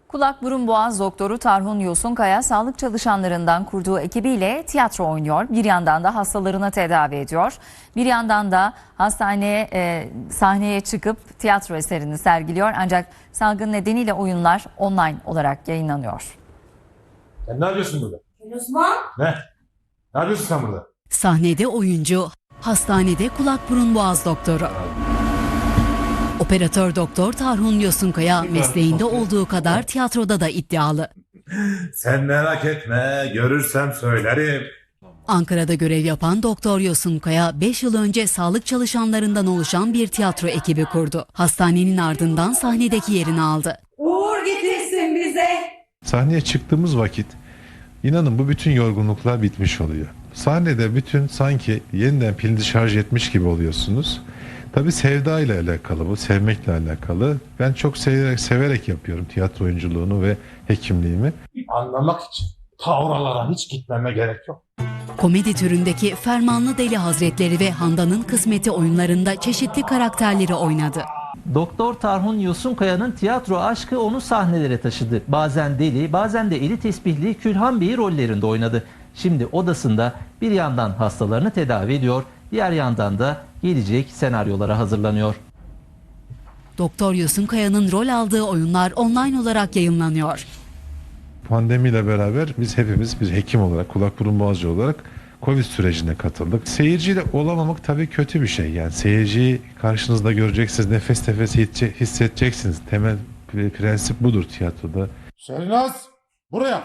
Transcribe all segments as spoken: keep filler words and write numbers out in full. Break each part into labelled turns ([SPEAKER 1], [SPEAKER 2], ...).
[SPEAKER 1] Kulak burun boğaz doktoru Tarhun Yosunkaya sağlık çalışanlarından kurduğu ekibiyle tiyatro oynuyor. Bir yandan da hastalarını tedavi ediyor. Bir yandan da hastaneye e, sahneye çıkıp tiyatro eserini sergiliyor. Ancak salgın nedeniyle oyunlar online olarak yayınlanıyor.
[SPEAKER 2] Sen ne yapıyorsun burada?
[SPEAKER 3] Osman.
[SPEAKER 2] Ne? Ne yapıyorsun sen burada?
[SPEAKER 4] Sahnede oyuncu, hastanede kulak burun boğaz doktoru. Operatör doktor Tarhun Yosunkaya mesleğinde olduğu kadar tiyatroda da iddialı.
[SPEAKER 2] Sen merak etme, görürsem söylerim.
[SPEAKER 4] Ankara'da görev yapan Doktor Yosunkaya beş yıl önce sağlık çalışanlarından oluşan bir tiyatro ekibi kurdu. Hastanenin ardından sahnedeki yerini aldı.
[SPEAKER 3] Uğur getirsin bize.
[SPEAKER 5] Sahneye çıktığımız vakit inanın bu bütün yorgunluklar bitmiş oluyor. Sahnede bütün sanki yeniden pilini şarj etmiş gibi oluyorsunuz. Tabii sevda ile alakalı bu, sevmekle alakalı. Ben çok severek, severek yapıyorum tiyatro oyunculuğunu ve hekimliğimi.
[SPEAKER 2] Anlamak için ta oralara hiç gitmeme gerek yok.
[SPEAKER 4] Komedi türündeki Fermanlı Deli Hazretleri ve Handan'ın Kısmeti oyunlarında çeşitli karakterleri oynadı.
[SPEAKER 6] Doktor Tarhun Yosunkaya'nın tiyatro aşkı onu sahnelere taşıdı. Bazen deli, bazen de eli tesbihli Külhan Bey'i rollerinde oynadı. Şimdi odasında bir yandan hastalarını tedavi ediyor, diğer yandan da gelecek senaryolara hazırlanıyor.
[SPEAKER 4] Doktor Yosunkaya'nın rol aldığı oyunlar online olarak yayınlanıyor.
[SPEAKER 5] Pandemiyle beraber biz hepimiz bir hekim olarak, kulak burun boğazcı olarak Covid sürecine katıldık. Seyirciyle olamamak tabii kötü bir şey. Yani seyirciyi karşınızda göreceksiniz, nefes nefese hissedeceksiniz. Temel prensip budur tiyatroda.
[SPEAKER 2] Şehnaz, buraya.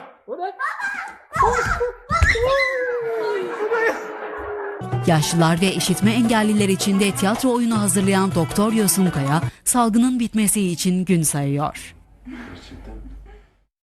[SPEAKER 4] Yaşlılar ve işitme engelliler için de tiyatro oyunu hazırlayan Doktor Yosunkaya, salgının bitmesi için gün sayıyor.
[SPEAKER 5] Gerçekten